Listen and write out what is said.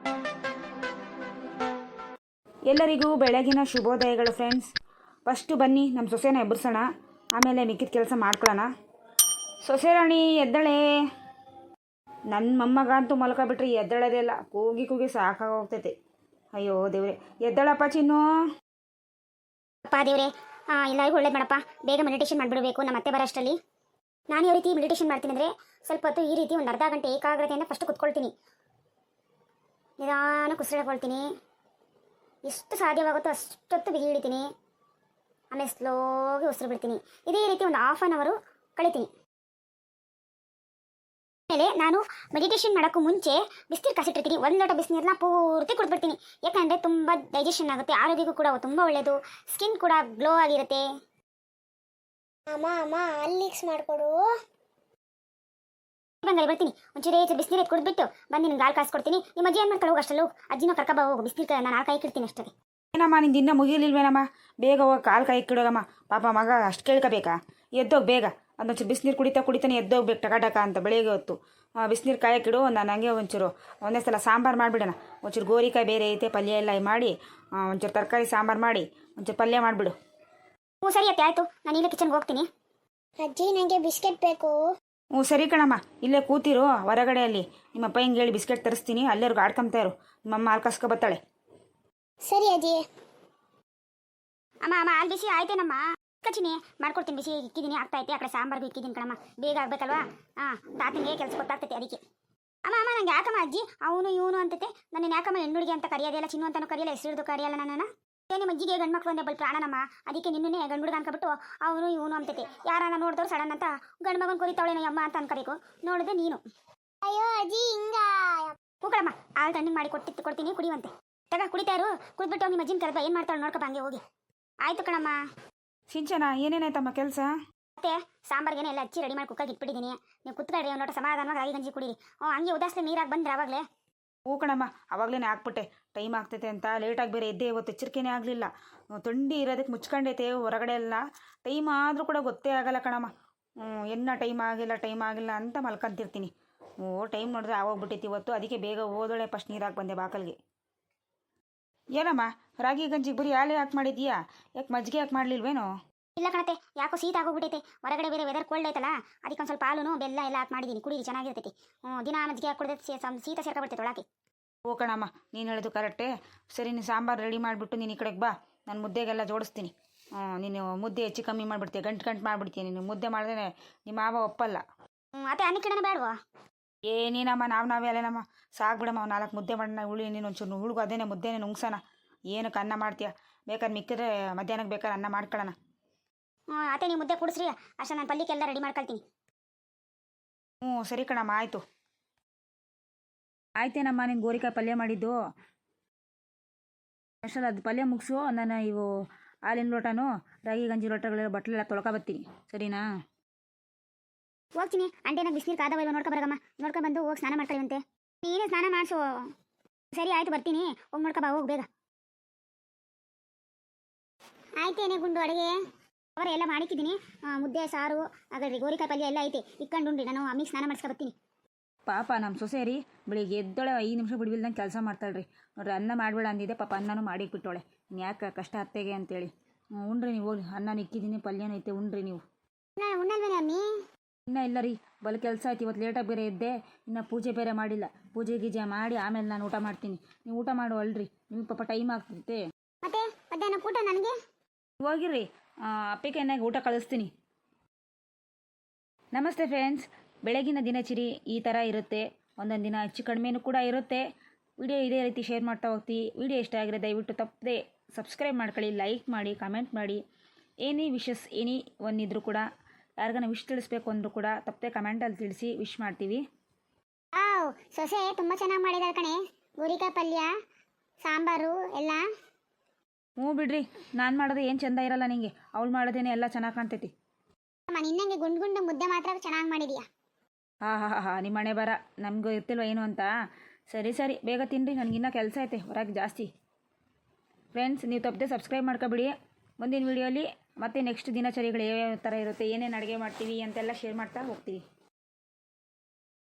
ಎಲ್ಲರಿಗೂ ಬೆಳಗಿನ ಶುಭೋದಯಗಳು friends. First ಬನ್ನಿ ನಮ್ಮ ಸೊಸೆನ ಎಬ್ಬರಿಸೋಣ, ಆಮೇಲೆ ಮಿಕ್ಕಿದ ಕೆಲಸ ಮಾಡ್ಕೊಳ್ಳೋಣ. ಸೊಸೆ ರಾಣಿ ಎದ್ದಳೆ. ನನ್ನ ಮೊಮ್ಮಗ ಅಂತೂ ಮಲ್ಕೊಬಿಟ್ರೆ ಎದ್ದಳದೇ ಇಲ್ಲ, ಕೂಗಿ ಕೂಗಿ ಸಾಕಾಗೋಗ್ತೈತೆ. ಅಯ್ಯೋ ದೇವ್ರೆ, ಎದ್ದಳಪ್ಪ ಚಿನ್ನು. ಅಪ್ಪ ದೇವ್ರೆ, ಎಲ್ಲರಿಗೂ ಒಳ್ಳೇದು ಮಾಡಪ್ಪ. ಬೇಗ ಮೆಡಿಟೇಷನ್ ಮಾಡಿಬಿಡಬೇಕು ನಮ್ಮ ಅತ್ತೆ ಬರೋಷ್ಟರಲ್ಲಿ. ನಾನು ಯಾವ ರೀತಿ ಮೆಡಿಟೇಷನ್ ಮಾಡ್ತೀನಿ ಅಂದರೆ, ಸ್ವಲ್ಪ ಹೊತ್ತು ಈ ರೀತಿ ಒಂದು ಅರ್ಧ ಗಂಟೆ ಏಕಾಗ್ರತೆಯಿಂದ ಫಸ್ಟ್ ಕುತ್ಕೊಳ್ತೀನಿ. ನಿಧಾನ ಕುಸಿಳ್ಕೊಳ್ತೀನಿ. ಎಷ್ಟು ಸಾಧ್ಯವಾಗುತ್ತೋ ಅಷ್ಟೊತ್ತು ಬಿಗಿ ಹಿಡಿತೀನಿ. ಆಮೇಲೆ ಸ್ಲೋಗಿ ಉಸಿರು ಬಿಡ್ತೀನಿ. ಇದೇ ರೀತಿ ಒಂದು ಹಾಫ್ ಆನ್ ಅವರು ಕಳಿತೀನಿ. ಆಮೇಲೆ ನಾನು ಮೆಡಿಟೇಷನ್ ಮಾಡೋಕ್ಕೂ ಮುಂಚೆ ಬಿಸಿನೀರು ಕಾಸಿಟ್ಟಿರ್ತೀನಿ. ಒಂದು ಲೋಟ ಬಿಸಿನೀರನ್ನ ಪೂರ್ತಿ ಕುಡಿದ್ಬಿಡ್ತೀನಿ. ಯಾಕಂದರೆ ತುಂಬ ಡೈಜೆಷನ್ ಆಗುತ್ತೆ, ಆರೋಗ್ಯಕ್ಕೂ ಕೂಡ ತುಂಬ ಒಳ್ಳೆಯದು, ಸ್ಕಿನ್ ಕೂಡ ಗ್ಲೋ ಆಗಿರುತ್ತೆ. ಅಮ್ಮ ಅಲ್ಲಿಕ್ಸ್ ಮಾಡಿಕೊಡು. ಬಂಗಾರಿ ಬರ್ತೀನಿ. ಒಂಚೂರೇ ಬಿಸಿನೀರು ಎತ್ತು ಕುಡಿದ್ಬಿಟ್ಟು ಬಂದು ನಿಮ್ಗೆ ಹಾಲು ಕಾಯಿಸ್ಕೊಡ್ತೀನಿ. ನಿಮ್ಮ ಅಜ್ಜಿ ಏನು ಮಾಡ್ಕೊಳ್ಳೋ ಹೋಗು ಅಷ್ಟಲ್ಲೂ. ಅಜ್ಜಿನ ಕರ್ಕಬ ಹೋಗು. ಬಿಸಿನೀರು ನಾನು ಹಾಲು ಕಾಯಿಕಿಡ್ತೀನಿ ಅಷ್ಟೇ. ಏನಮ್ಮ ನಿಂದು ಇನ್ನೂ ಮುಗಿಲಿಲ್ವೇನಮ್ಮ? ಬೇಗ ಹೋಗಿ ಕಾಲು ಕಾಯಿಕ್ಕಿಡೋಗಮ್ಮ. ಪಾಪ ಮಗ ಅಷ್ಟು ಕೇಳ್ಕೋಬೇಕಾ? ಎದ್ದೋಗಿ ಬೇಗ. ಅದೊಂಚೂರು ಬಿಸಿನೀರು ಕುಡಿತಾನೆ ಎದ್ದೋಗ್ಬೇಕು ಟಕ ಅಂತ. ಬೆಳಿಗ್ಗೆ ಹೊತ್ತು ಬಿಸಿನೀರು ಕಾಯಕ್ಕಿಡು. ನಾನು ಹಂಗೆ ಒಂಚೂರು ಒಂದೇ ಸಲ ಸಾಂಬಾರು ಮಾಡಿಬಿಡೋಣ. ಒಂಚೂರು ಗೋರಿಕಾಯಿ ಬೇರೆ ಐತೆ, ಪಲ್ಯ ಎಲ್ಲ ಮಾಡಿ ಒಂಚೂರು ತರಕಾರಿ ಸಾಂಬಾರು ಮಾಡಿ ಒಂಚೂರು ಪಲ್ಯ ಮಾಡಿಬಿಡು. ಹ್ಞೂ ಸರಿ ಅತ್ತೆ, ಆಯಿತು. ನಾನು ಇಲ್ಲೇ ಕಿಚನ್ಗೆ ಹೋಗ್ತೀನಿ. ಅಜ್ಜಿ ನನಗೆ ಬಿಸ್ಕೆಟ್ ಬೇಕು. ಹ್ಞೂ ಸರಿ ಕಣಮ್ಮ, ಇಲ್ಲೇ ಕೂತಿರು ಹೊರಗಡೆಯಲ್ಲಿ. ನಿಮ್ಮಪ್ಪ ಹಿಂಗೆ ಹೇಳಿ ಬಿಸ್ಕೆಟ್ ತರಿಸ್ತೀನಿ, ಅಲ್ಲೇರ್ಗು ಆಡ್ಕೊಂತ ಇರು. ನಿಮ್ಮಮ್ಮ ಹಾಲು ಕಾಸ್ಕೊ ಬರ್ತಾಳೆ. ಸರಿ ಅಜ್ಜಿ. ಅಮ್ಮ ಹಾಲು ಬಿಸಿ ಆಯ್ತೇನಮ್ಮ? ಕಚಿನಿ ಮಾಡ್ಕೊಡ್ತೀನಿ. ಬಿಸಿ ಇಕ್ಕಿದ್ದೀನಿ, ಆಗ್ತಾಯಿತ್ತೆ. ಆ ಕಡೆ ಸಾಂಬಾರ್ಗೂ ಇಕ್ಕಿದ್ದೀನಿ ಕಣಮ್ಮ. ಬೇಗ ಆಗಬೇಕಲ್ವಾ? ತಾತನಿಗೆ ಕೆಲಸ ಗೊತ್ತಾಗ್ತೈತೆ ಅದಕ್ಕೆ. ಅಮ್ಮ ನಂಗೆ ಯಾಕಮ್ಮ ಅಜ್ಜಿ ಅವನು ಇವನು ಅಂತೈತೆ? ನನ್ನ ಯಾಕಮ್ಮ ಹೆಣ್ಣುಡಿಗೆ ಅಂತ ಕರೆಯೋದಿಲ್ಲ, ಚಿನ್ನು ಅಂತಾನು ಕರೆಯಲ್ಲ, ಹೆಸರು ಕರೆಯಲ್ಲ ನನ್ನನ್ನು. ನಿಮ್ಮ ಅಜ್ಜಿಗೆ ಗಂಡು ಮಕ್ಕಳು ಅಂದ್ರೆ ಬಲ್ ಪ್ರಾಣನಮ್ಮ. ಅದಕ್ಕೆ ನಿನ್ನೇ ಗಂಡು ಹುಡುಗ ಅನ್ಕೊಬಿಟ್ಟು ಅವನು ಇವನು ಅಂತೈತೆ. ಯಾರನ್ನ ನೋಡಿದವ್ರು ಸಡನ್ ಅಂತ ಗಂಡು ಮಗನ ಕೊರಿತಾವಳೇನೋ ಅಮ್ಮ ಅಂತ ಅನ್ಕಬೇಕು. ನೋಡಿದ್ರೆ ನೀನು. ಅಯ್ಯೋ ಅಜ್ಜಿ ಹಿಂಗ. ಕೂಕಳಮ್ಮ, ಹಾಲು ತಣ್ಣಗೆ ಮಾಡಿ ಕೊಡ್ತೀನಿ, ಕುಡಿಯುವಂತೆ. ಕುಡಿತಾರು. ಕುಡಿದ್ಬಿಟ್ಟು ನಿಮ್ಮ ಅಜ್ಜಿನ ಕರೆದ ಏನು ಮಾಡ್ತಾಳೆ ನೋಡ್ಕಪ್ಪ, ಹಂಗೆ ಹೋಗಿ. ಆಯ್ತು ಕಣಮ್ಮ. ಸಿಂಚನ, ಏನೇನಾಯ್ತಮ್ಮ ಕೆಲಸ? ಮತ್ತೆ ಸಾಂಬಾರ್ಗೇನೆ ಎಲ್ಲ ಹಚ್ಚಿ ರೆಡಿ ಮಾಡಿ ಕುಕ್ಕಾಗಿ ಇಟ್ಬಿಟ್ಟಿದ್ದೀನಿ. ನೀವು ಕುತ್ಕೊಳ್ರಿ, ಒಂದು ಲೋಟ ಸಮಾಧಾನವಾಗಿ ರಾಗಿ ಗಂಜಿ ಕುಡೀರಿ. ಹಂಗೆ ಉದಾಸನೆ ನೀರಾಗಿ ಬಂದ್ರೆ ಆವಾಗಲೇ. ಹೂ ಕಣಮ್ಮ, ಆವಾಗಲೇ ಹಾಕ್ಬಿಟ್ಟೆ. ಟೈಮ್ ಆಗ್ತೈತೆ ಅಂತ ಲೇಟಾಗಿ ಬೇರೆ ಎದ್ದೆ. ಇವತ್ತು ಎಚ್ಚರಿಕೆನೇ ಆಗಲಿಲ್ಲ. ಥಂಡಿ ಇರೋದಕ್ಕೆ ಮುಚ್ಕೊಂಡೈತೆ ಹೊರಗಡೆ ಎಲ್ಲ. ಟೈಮ್ ಆದರೂ ಕೂಡ ಗೊತ್ತೇ ಆಗಲ್ಲ ಕಣಮ್ಮ. ಟೈಮ್ ಆಗಿಲ್ಲ ಅಂತ ಮಲ್ಕೊಂತಿರ್ತೀನಿ. ಟೈಮ್ ನೋಡಿದ್ರೆ ಆಗೋಗ್ಬಿಟ್ಟೈತಿ ಇವತ್ತು. ಅದಕ್ಕೆ ಬೇಗ ಓದೋಳೆ ಫಸ್ಟ್ ನೀರಾಗಿ ಬಂದೆ ಬಾಕಲ್ಗೆ. ಏನಮ್ಮ ರಾಗಿ ಗಂಜಿಗೆ ಬರೀ ಹಾಲೇ ಹಾಕಿ ಮಾಡಿದ್ಯಾ? ಯಾಕೆ ಮಜ್ಜಿಗೆ ಹಾಕಿ ಮಾಡಲಿಲ್ವೇನೋ? ಇಲ್ಲ ಕಣತೆ, ಯಾಕೋ ಶೀತ ಆಗೋಗ್ಬಿಟ್ಟೈತೆ. ಹೊರಗಡೆ ಬೇರೆ ವೆದರ್ ಕೋಲ್ಡ್ ಐತಲ್ಲ, ಅದಕ್ಕೆ ಒಂದು ಸ್ವಲ್ಪ ಹಾಲು ಬೆಲ್ಲ ಎಲ್ಲ ಹಾಕಿ ಮಾಡಿದ್ದೀನಿ. ಕುಡೀರಿ, ಚೆನ್ನಾಗಿರ್ತೈತಿ. ದಿನ ಮಜ್ಜಿಗೆ ಹಾಕಿ ಕುಡಿದ್ರೆ ಶೀತ ಸೇರ್ಕೊಬಿಡ್ತೈತೆ ಒಳಗೆ. ಓ ಕಣಮ್ಮ, ನೀನು ಹೇಳೋದು ಕರೆಕ್ಟೇ. ಸರಿ, ನೀನು ಸಾಂಬಾರು ರೆಡಿ ಮಾಡಿಬಿಟ್ಟು ನೀನು ಈ ಕಡೆಗೆ ಬಾ. ನಾನು ಮುದ್ದೆಗೆಲ್ಲ ಜೋಡಿಸ್ತೀನಿ. ನೀನು ಮುದ್ದೆ ಹೆಚ್ಚು ಕಮ್ಮಿ ಮಾಡಿಬಿಡ್ತೀಯ, ಗಂಟು ಮಾಡಿಬಿಡ್ತೀಯ. ನೀನು ಮುದ್ದೆ ಮಾಡಿದ್ರೆ ನಿಮ್ಮ ಮಾವ ಒಪ್ಪಲ್ಲ. ಅತ್ತೆ ಅನ್ನಕ್ಕಿಡನೆ ಬೇಡವಾ? ಏನೇನಮ್ಮ, ನಾವೇ ಅಲ್ಲೇನಮ್ಮ. ಸಾಕ್ಬಿಡಮ್ಮ, 4 ಮುದ್ದೆ ಮಾಡೋಣ. ನೀನು ಒಂಚೂರು ಹುಡುಗು ಅದೇನೆ ಮುದ್ದೆನೇ ನುಂಗ್ಸೋಣ. ಏನಕ್ಕೆ ಅನ್ನ ಮಾಡ್ತೀಯ? ಬೇಕಾದ್ರೆ ಮಿಕ್ಕಿದ್ರೆ ಮಧ್ಯಾಹ್ನಕ್ಕೆ ಬೇಕಾದ್ರೆ ಅನ್ನ ಮಾಡ್ಕೊಳ್ಳೋಣ. ಅತ್ತೆ ನೀವು ಮುದ್ದೆ ಕುಡಿಸ್ರಿ, ಅಷ್ಟೇ ನಾನು ಪಲ್ಯಕ್ಕೆಲ್ಲ ರೆಡಿ ಮಾಡ್ಕೊಳ್ತೀನಿ. ಸರಿ ಕಣಮ್ಮ, ಆಯಿತು. ಆಯ್ತೇನಮ್ಮ ನೀನು ಗೋರಿಕಾಯಿ ಪಲ್ಯ ಮಾಡಿದ್ದು? ಅಷ್ಟೊಂದು ಅದು ಪಲ್ಯ ಮುಗಿಸು. ನಾನು ಇವು ಹಾಲಿನ ಲೋಟನೂ ರಾಗಿ ಗಂಜಿ ಲೋಟಗಳೆಲ್ಲ ಬಟ್ಲೆಲ್ಲ ತೊಳ್ಕೊಬರ್ತೀನಿ, ಸರಿನಾ? ಹೋಗ್ತೀನಿ. ಅಂಟೇನಾಗ ಬಿಸಿನೀರು ಕಾದವ ಇಲ್ವ ನೋಡ್ಕೊಬರಗಮ್ಮ. ನೋಡ್ಕೊಂಡ್ಬಂದು ಹೋಗಿ ಸ್ನಾನ ಮಾಡ್ಕೊಳ್ಳುವಂತೆ. ನೀನೇ ಸ್ನಾನ ಮಾಡಿಸು. ಸರಿ ಆಯಿತು, ಬರ್ತೀನಿ. ಹೋಗಿ ನೋಡ್ಕೊಬಾ, ಹೋಗಿ ಬೇಗ. ಆಯ್ತೇನೆ ಗುಂಡು ಅಡುಗೆ ಅವರ ಎಲ್ಲ ಮಾಡಿಕ್ಕಿದ್ದೀನಿ. ಮುದ್ದೆ ಸಾರು ಹಾಗಾದ್ರೆ ಗೋರಿಕಾಯಿ ಪಲ್ಯ ಎಲ್ಲ ಐತೆ. ಇಕ್ಕೊಂಡುಂಡ್ರಿ, ನಾನು ಅಮ್ಮಿಗೆ ಸ್ನಾನ ಮಾಡಿಸ್ಕೊಬರ್ತೀನಿ. ಪಾಪ ನಮ್ಮ ಸೊಸೆ ರೀ, ಬೆಳಿಗ್ಗೆ ಎದ್ದೊಳೆ 5 ನಿಮಿಷ ಬಿಡ್ಬಿಲ್ದಂಗೆ ಕೆಲಸ ಮಾಡ್ತಾಳ್ರಿ. ನೋಡ್ರಿ, ಅನ್ನ ಮಾಡಬೇಡ ಅಂದಿದ್ದೆ, ಪಾಪ ಅನ್ನನೂ ಮಾಡಿಕ್ಬಿಟ್ಟೋಳೆ. ಯಾಕೆ ಕಷ್ಟ ಅತ್ತೆಗೆ ಅಂತೇಳಿ. ಉಣ್ರಿ ನೀವು, ಹೋಗಿ. ಅನ್ನನೂ ಇಕ್ಕಿದ್ದೀನಿ, ಪಲ್ಯನೂ ಐತೆ, ಉಣ್ರಿ ನೀವು. ಉಣ್ಣಲ್ವೇನೆ ಅಮ್ಮಿ? ಇನ್ನೂ ಇಲ್ಲ ರೀ, ಬಲ್ ಕೆಲಸ ಆಯ್ತು. ಇವತ್ತು ಲೇಟಾಗಿ ಬೇರೆ ಎದ್ದೆ, ಇನ್ನು ಪೂಜೆ ಬೇರೆ ಮಾಡಿಲ್ಲ. ಪೂಜೆ ಗೀಜೆ ಮಾಡಿ ಆಮೇಲೆ ನಾನು ಊಟ ಮಾಡ್ತೀನಿ. ನೀವು ಊಟ ಮಾಡು ಅಲ್ರಿ, ನಿಮ್ಗೆ ಪಾಪ ಟೈಮ್ ಆಗ್ತೈತೆ. ಮತ್ತೆ ಮಧ್ಯಾಹ್ನ ಊಟ ನನಗೆ ಹೋಗಿರ್ರಿ, ಅಪ್ಪಿಗೆ ಏನಾಗಿ ಊಟ ಕಳಿಸ್ತೀನಿ. ನಮಸ್ತೆ ಫ್ರೆಂಡ್ಸ್. ಬೆಳಗಿನ ದಿನಚರಿ ಈ ಥರ ಇರುತ್ತೆ. ಒಂದೊಂದು ದಿನ ಹೆಚ್ಚು ಕಡಿಮೆನೂ ಕೂಡ ಇರುತ್ತೆ. ವಿಡಿಯೋ ಇದೇ ರೀತಿ ಶೇರ್ ಮಾಡ್ತಾ ಹೋಗ್ತೀವಿ. ವಿಡಿಯೋ ಇಷ್ಟ ಆಗಿರೋ ದಯವಿಟ್ಟು ತಪ್ಪದೆ ಸಬ್ಸ್ಕ್ರೈಬ್ ಮಾಡ್ಕೊಳ್ಳಿ, ಲೈಕ್ ಮಾಡಿ, ಕಮೆಂಟ್ ಮಾಡಿ. ಏನೇ ವಿಶಸ್ ಒಂದಿದ್ರು ಕೂಡ, ಯಾರಿಗಾನ ವಿಶ್ ತಿಳಿಸ್ಬೇಕು ಅಂದರೂ ಕೂಡ ತಪ್ಪದೆ ಕಮೆಂಟಲ್ಲಿ ತಿಳಿಸಿ, ವಿಶ್ ಮಾಡ್ತೀವಿ. ಸೊಸೆ ತುಂಬ ಚೆನ್ನಾಗಿ ಮಾಡಿದಾರೆ ಕಣೆ. ಗೋರಿಕಾಯಿ ಪಲ್ಯ, ಸಾಂಬಾರು ಎಲ್ಲ. ಬಿಡ್ರಿ, ನಾನು ಮಾಡೋದು ಏನು ಚೆಂದ ಇರಲ್ಲ ನಿಂಗೆ. ಅವಳು ಮಾಡೋದೇನೆ ಎಲ್ಲ ಚೆನ್ನಾಗಿ ಕಾಣ್ತೈತಿ. ನಿನ್ನಂಗೆ ಗುಂಡು ಮುದ್ದೆ ಮಾತ್ರ ಚೆನ್ನಾಗಿ ಮಾಡಿದೀಯಾ. ಹಾಂ, ನಿಮ್ಮ ಮನೆ ಬರ ನಮಗೂ ಇರ್ತಿಲ್ವ ಏನು ಅಂತ. ಸರಿ ಬೇಗ ತಿನ್ನಿರಿ, ನನಗಿನ್ನ ಕೆಲಸ ಐತೆ ಹೊರಗೆ ಜಾಸ್ತಿ. ಫ್ರೆಂಡ್ಸ್, ನೀವು ತಪ್ಪದೆ ಸಬ್ಸ್ಕ್ರೈಬ್ ಮಾಡ್ಕೊಬಿಡಿ. ಮುಂದಿನ ವೀಡಿಯೋಲಿ ಮತ್ತೆ ನೆಕ್ಸ್ಟ್ ದಿನಚರಿಗಳು ಯಾವ್ಯಾವ ಥರ ಇರುತ್ತೆ, ಏನೇನು ಅಡುಗೆ ಮಾಡ್ತೀವಿ ಅಂತೆಲ್ಲ ಶೇರ್ ಮಾಡ್ತಾ ಹೋಗ್ತೀವಿ.